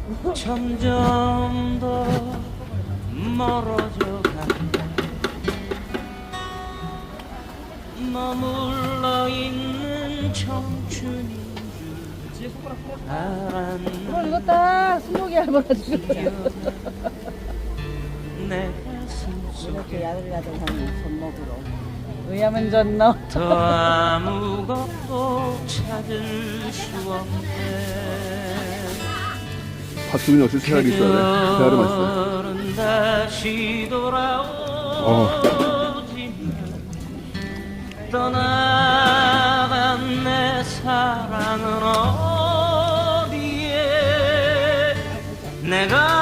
점점 더 멀어져 간다. 머물러 있는 청춘인 줄 알았는데 이거 딱 스모기 할머니 내 가슴 이렇게 속에 야들야들하는 손목으로 의하면 졌나? 더 아무것도 찾을 수 없네. 박수민이 역시 세알이 있어야 돼. 세알이 맛있어. 그들은 다시 어. 돌아오지만 떠나간 내 사랑은 어디에 내가